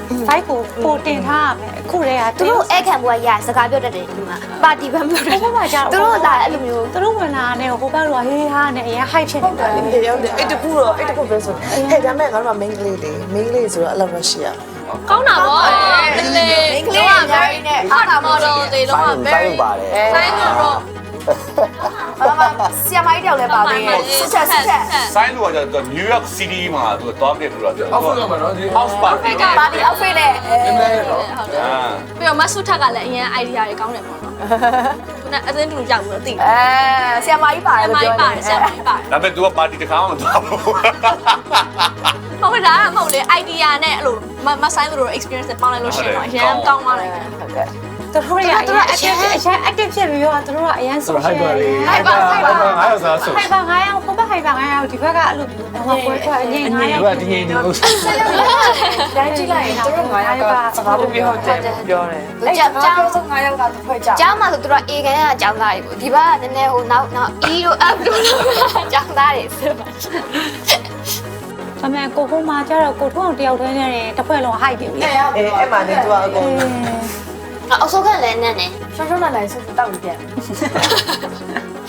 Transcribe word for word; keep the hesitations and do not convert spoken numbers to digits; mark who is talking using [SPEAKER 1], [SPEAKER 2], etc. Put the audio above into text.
[SPEAKER 1] five ကိုပိုတင်ထားရမယ်အခုတည်းက
[SPEAKER 2] သူတို့အဲ့ခံဘွားရစကားပြောတတ်တယ်ဒီမှာပါတီဘန်းပြောတတ်တယ်
[SPEAKER 1] ဟိုဘက်မှာကြာ
[SPEAKER 2] သူတို့လာအဲ့လိုမျိုး
[SPEAKER 1] သူတို့ဝင်လာတဲ့ဟိုဘက်ကဟေးဟာနဲ့အရင် hype ဖြစ်နေတာလေ
[SPEAKER 3] အေးရောက်တယ်အဲ့တကူတော့အဲ့တကူပဲဆိုဟဲ့ဒါမဲ့ငါတို့က main ကလေးတွေ main ကလေးဆိုတော့အဲ့လိုပဲရှိရ
[SPEAKER 4] ကောင်းတာဗောမလေး
[SPEAKER 2] ကလေးအများကြီးနဲ့
[SPEAKER 4] အားတာမော်ဒယ်တွေတော့ very
[SPEAKER 5] ပါတယ်
[SPEAKER 4] ဆိုင်ကတော့
[SPEAKER 2] ဘာမှဆီယမိုင်းတယောက်လည်းပါသေးတယ်စစ်ချက်စစ်ချက်
[SPEAKER 6] ဆိုင်းလို့က New York City မှာသူတောင်းတယ်လို့ပြော
[SPEAKER 7] အောက်ဖက်ကမှာနော်ဒီ
[SPEAKER 6] House Party
[SPEAKER 2] ပါတီအောက်ဖိနဲ့
[SPEAKER 7] နည်းနည်းတော့
[SPEAKER 4] ဟုတ်တယ်ပြီးတော့မဆုထက်ကလည်းအရင် idea တွေကောင်းတယ်ပေါ့နော်ခုနအသင်းတူရောက်လို့သိတယ်
[SPEAKER 2] အဲဆီယမိုင်းပါတယ်
[SPEAKER 4] ဆ
[SPEAKER 2] လို့
[SPEAKER 4] မို
[SPEAKER 2] ပြော
[SPEAKER 4] င်း
[SPEAKER 2] တယ်
[SPEAKER 4] ပါတယ်ဆမိုင်းပါတယ်
[SPEAKER 6] ဒါပေမဲ့ तू ကပါတီတစ်ခါမှမသွားဘူး
[SPEAKER 4] ဟုတ်ကဲ့ဒါကမဟုတ်လေ idea နဲ့အဲ့လိုမဆိုင်သူတို့ experience ပေါင်းလိုက်လို့ရှိရင်တော့အရင်ကောင်းသွားတယ်
[SPEAKER 2] ဟုတ်ကဲ့
[SPEAKER 1] သူတို့ရသူတို့အရင်အရင် active ဖြစ်ပြီးတော့သူတို့ကအရင် social
[SPEAKER 7] ဟိုက်ပါလေ
[SPEAKER 4] hyper hyper
[SPEAKER 7] ငါရစားဆို
[SPEAKER 1] hyper ငါးယောက်ဟိုဘက် hyper ငါးယောက်ဒီဘက်ကအဲ့လိုဘာမှပွဲထွက်အရင်ငါးယောက်
[SPEAKER 7] ဒီကဒီငယ်နေလို့
[SPEAKER 3] တိုင်းကြည့်လိုက်ရင်တို့ငါယောက်ကစကားပြောတယ်ပြောတယ်
[SPEAKER 2] သူကြောက်ကြောက်
[SPEAKER 3] ဆုံးငါယောက်ကတစ်ဖွဲ့ကြ
[SPEAKER 2] ကျောင်းမှာဆိုသူတို့အေကန်ကကျောင်းသားတွေပေါ့ဒီဘက်ကနည်းနည်းဟိုနောက်နောက် E တို့ F တို့ကျောင်းသားတွေဆိုပါ
[SPEAKER 1] ဒါပေမဲ့ကိုဟိုမှာကျတော့ကိုထုံးအောင်တယောက်တည်းနဲ့တစ်ဖွဲ့လုံး hype ပြီလေ
[SPEAKER 3] အေးအဲ့မှာနေသူကအကုန်
[SPEAKER 2] အောက်ဆုံးကလည်းနန်းနေ
[SPEAKER 3] ရှောင်းရှောင်းလာလိုက်ဆိုတောက်ပြီးပြန်
[SPEAKER 2] ဟ